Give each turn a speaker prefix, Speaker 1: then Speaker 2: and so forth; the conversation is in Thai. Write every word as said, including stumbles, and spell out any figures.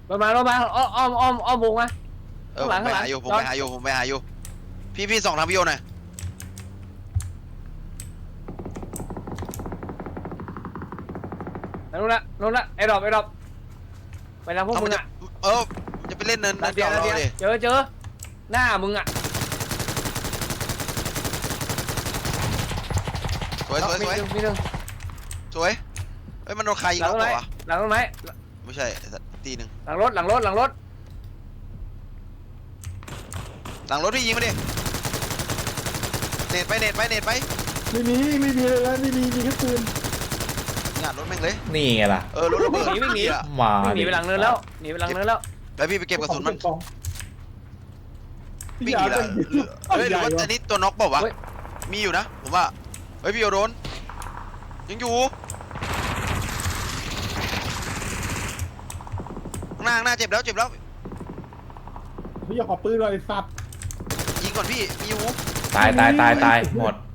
Speaker 1: รถมารถมาอ้อมอ้อมอ้อมอ้อมวงมา
Speaker 2: เออ
Speaker 1: ข้างหลัง
Speaker 2: ผมไปหาอยู่ผม
Speaker 1: ข้างหลัง
Speaker 2: ไปหาอยู่ผมไปหาอยู่พี่พี่ส่องทางพี่โยหน่อย
Speaker 1: นู่นละนู่นละไอ้ดอกไอ้ดอกไปทางพวก
Speaker 2: เอา
Speaker 1: มึ
Speaker 2: มัน
Speaker 1: ง
Speaker 2: จะ
Speaker 1: อ่ะ
Speaker 2: เออจะไปเล่นเนิน
Speaker 1: นา
Speaker 2: นั่น
Speaker 1: เดี
Speaker 2: เดี
Speaker 1: ย
Speaker 2: ยว ว
Speaker 1: นา
Speaker 2: เรา
Speaker 1: เดีย
Speaker 2: ดิ
Speaker 1: เจอเจอหน้ามึงอ่ะ
Speaker 2: สวยสวยสวย
Speaker 1: มีหนึ่งมีหนึ่ง
Speaker 2: สวยเอ้ยมันโดนใครยิง
Speaker 1: หลัง
Speaker 2: เรา
Speaker 1: ต้น
Speaker 2: เป
Speaker 1: ไม้
Speaker 2: ล่าวะ
Speaker 1: หลังต้นไม้
Speaker 2: ไม่ใช่ตีหนึ่ง
Speaker 1: หลังรถหลังรถหลังรถ
Speaker 2: หลังรถพี่ยิงมาดิเน็ตไปเน็ตไปเน็ตไป
Speaker 3: ไม่มีไม่มีเลยแล้วไม่มีมีแค่ปืน
Speaker 2: งานรถแม่งเลย
Speaker 4: นี่ไงล่ะ
Speaker 2: เออรถระเบิด
Speaker 1: หนีวิ่งหนี
Speaker 2: อ่ะ
Speaker 4: มา
Speaker 1: วิ่งหนีไปหลังเนินแล้วหนีไปหลังเนินแล้ว
Speaker 2: แล้วพี่ไปเก็บกระสุนมัน
Speaker 3: กล่อง
Speaker 2: วิ่งหนีแล้วเฮ้ยหรือว่าอันนี้ตัวน็อกเปล่าวะ
Speaker 1: เฮ้ย
Speaker 2: มีอยู่นะผมว่าเฮ้ยพี่โยโดนยังอยู่ข้างหน้าข้างหน้าเจ็บแล้วเจ็บแล้ว
Speaker 3: พี่อยากขอปืนเลยไอ้สัตว์
Speaker 2: ยิงก่อนพี่มีอยู่
Speaker 4: ตายตายตายตายหมด